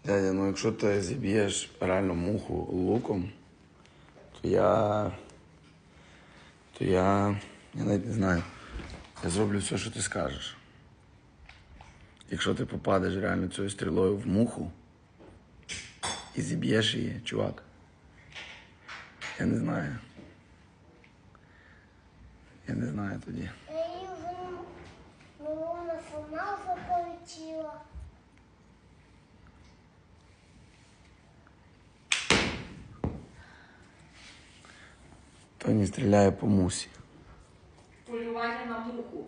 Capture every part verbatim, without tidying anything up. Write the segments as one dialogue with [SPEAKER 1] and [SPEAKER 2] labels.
[SPEAKER 1] Дядя, ну якщо ти зіб'єш реально муху луком, то я... То я... Я навіть не знаю. Я зроблю все, що ти скажеш. Якщо ти попадеш реально цією стрілою в муху і зіб'єш її, чувак, я не знаю. Я не знаю тоді.
[SPEAKER 2] Я її вона сама вже полетіла.
[SPEAKER 1] Тоні стріляє по мусі.
[SPEAKER 3] Полювання на муху.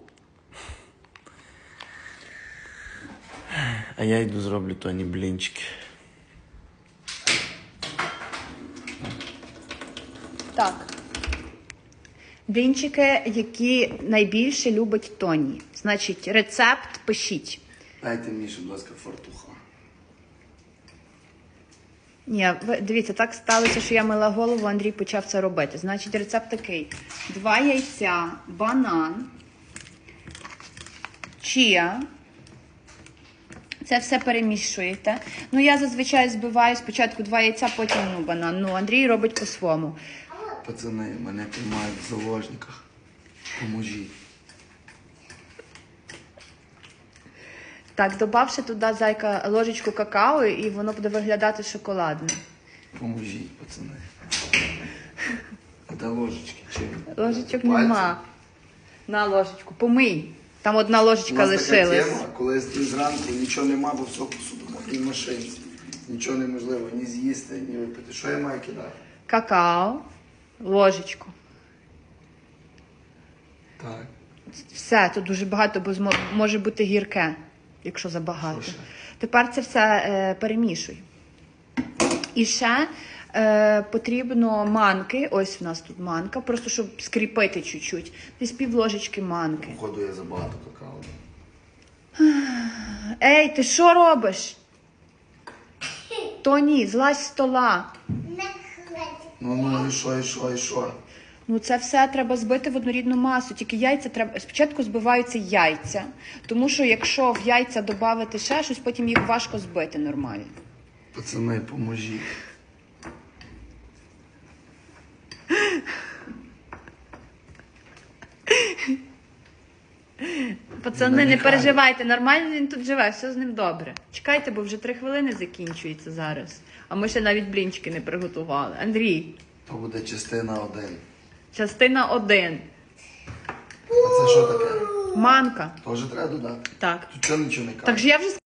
[SPEAKER 1] А я йду зроблю Тоні блінчики.
[SPEAKER 3] Так. Блінчики, які найбільше любить Тоні. Значить, рецепт пишіть.
[SPEAKER 1] Дайте мені, будь ласка, фартуха.
[SPEAKER 3] Ні, ви, дивіться, так сталося, що я мила голову, Андрій почав це робити. Значить, рецепт такий. Два яйця, банан, чия. Це все перемішуєте. Ну, я зазвичай збиваю спочатку два яйця, потім ну, банан. Ну, Андрій робить по-своєму.
[SPEAKER 1] Пацани, мене тримають в заложниках. Поможіть.
[SPEAKER 3] Так, додавши туди, зайка, ложечку какао, і воно буде виглядати шоколадним.
[SPEAKER 1] Поможіть, пацани. А де ложечки? Чи?
[SPEAKER 3] Ложечок
[SPEAKER 1] Пальці?
[SPEAKER 3] нема. На ложечку. Помий. Там одна
[SPEAKER 1] У
[SPEAKER 3] ложечка
[SPEAKER 1] нас така
[SPEAKER 3] лишилась.
[SPEAKER 1] тема, коли зранку нічого нема, бо все посудомовній машинці. Нічого неможливо ні з'їсти, ні випити. Що я маю кидати?
[SPEAKER 3] Какао, ложечку.
[SPEAKER 1] Так.
[SPEAKER 3] Все, тут дуже багато, бо змо- може бути гірке, якщо забагато.
[SPEAKER 1] Що ще?
[SPEAKER 3] Тепер це все е, перемішуй. І ще е, потрібно манки. Ось в нас тут манка, просто щоб скріпити чуть-чуть. Десь пів ложечки манки.
[SPEAKER 1] Походу я забагато какао.
[SPEAKER 3] Ей, ти що робиш? Тоні, злазь з стола.
[SPEAKER 2] Не хватить.
[SPEAKER 1] Ну, ну, і що, і що, і що?
[SPEAKER 3] Ну, це все треба збити в однорідну масу. Тільки яйця треба. Спочатку збиваються яйця, тому що якщо в яйця додати ще щось, потім їх важко збити нормально.
[SPEAKER 1] Пацани, поможіть.
[SPEAKER 3] Пацани, не
[SPEAKER 1] Нехай.
[SPEAKER 3] переживайте, нормально він тут живе, все з ним добре. Чекайте, бо вже три хвилини закінчується зараз. А ми ще навіть блінчики не приготували. Андрій,
[SPEAKER 1] То буде частина один.
[SPEAKER 3] частина один.
[SPEAKER 1] А це що таке?
[SPEAKER 3] Манка.
[SPEAKER 1] Теж треба додати?
[SPEAKER 3] Так.
[SPEAKER 1] Тут чого нічого не кажуть?
[SPEAKER 3] Так же я вже